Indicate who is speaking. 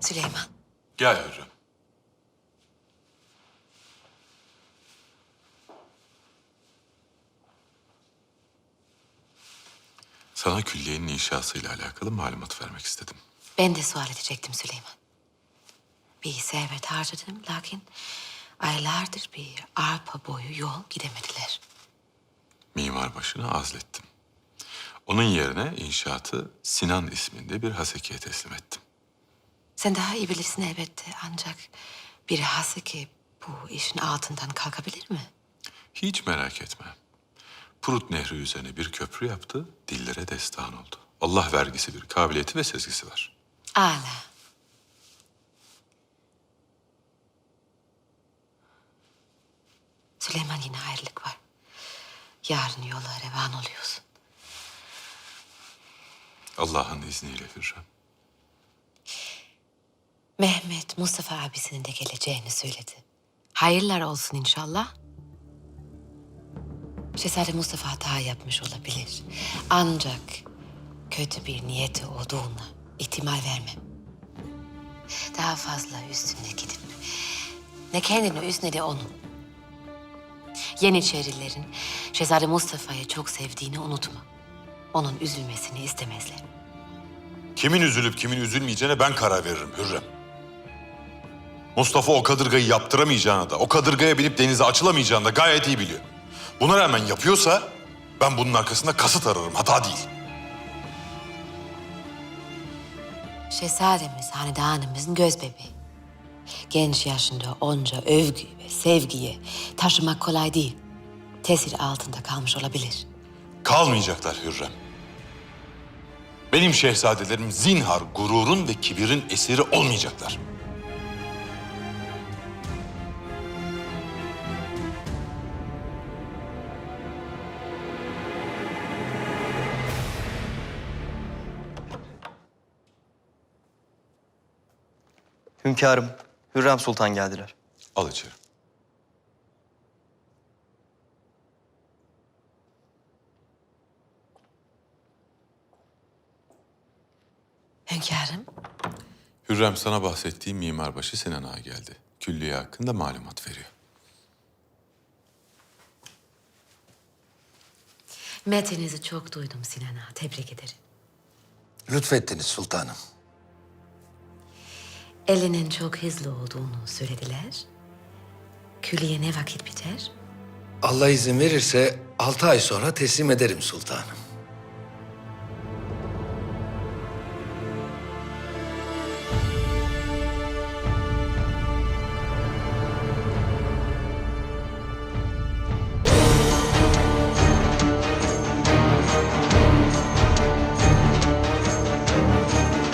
Speaker 1: Süleyman.
Speaker 2: Gel Hürrem. Sana külliyenin inşasıyla alakalı malumat vermek istedim.
Speaker 1: Ben de sual edecektim Süleyman. Bir servet harcadım lakin aylardır bir arpa boyu yol gidemediler.
Speaker 2: Mimarbaşı'na azlettim. Onun yerine inşaatı Sinan isminde bir hasekiye teslim ettim.
Speaker 1: Sen daha iyi bilirsin elbette ancak bir haseki bu işin altından kalkabilir mi?
Speaker 2: Hiç merak etme. Prut Nehri üzerine bir köprü yaptı, dillere destan oldu. Allah vergisi bir kabiliyeti ve sezgisi var.
Speaker 1: Âlâ. Süleyman yine ayrılık var. Yarın yola revan oluyorsun.
Speaker 2: Allah'ın izniyle Hürrem.
Speaker 1: Mehmet Mustafa abisinin de geleceğini söyledi. Hayırlar olsun inşallah. Şehzade Mustafa hata yapmış olabilir. Ancak kötü bir niyeti olduğuna ihtimal vermem. Daha fazla üstüne gidip ne kendini üz ne de onu. Yeniçerilerin Şehzade Mustafa'yı çok sevdiğini unutma. Onun üzülmesini istemezler.
Speaker 3: Kimin üzülüp kimin üzülmeyeceğine ben karar veririm Hürrem. Mustafa o kadırgayı yaptıramayacağını da, o kadırgaya binip denize açılamayacağını da gayet iyi biliyor. Buna rağmen yapıyorsa ben bunun arkasında kasıt ararım, hata değil.
Speaker 1: Şehzademiz hanedanımızın göz bebeği. Genç yaşında onca övgü ve sevgiyi taşımak kolay değil. Tesir altında kalmış olabilir.
Speaker 3: Kalmayacaklar Hürrem. Benim şehzadelerim zinhar gururun ve kibirin esiri olmayacaklar.
Speaker 4: Hünkârım, Hürrem Sultan geldiler.
Speaker 2: Al içeri.
Speaker 1: Hünkârım,
Speaker 2: Hürrem sana bahsettiğim mimarbaşı Sinan Ağa geldi. Külliye hakkında malumat veriyor.
Speaker 1: metninizi çok duydum Sinan Ağa. Tebrik ederim.
Speaker 5: Lütfettiniz sultanım.
Speaker 1: Elinin çok hızlı olduğunu söylediler. Külliye ne vakit biter?
Speaker 5: Allah izin verirse 6 ay sonra teslim ederim sultanım.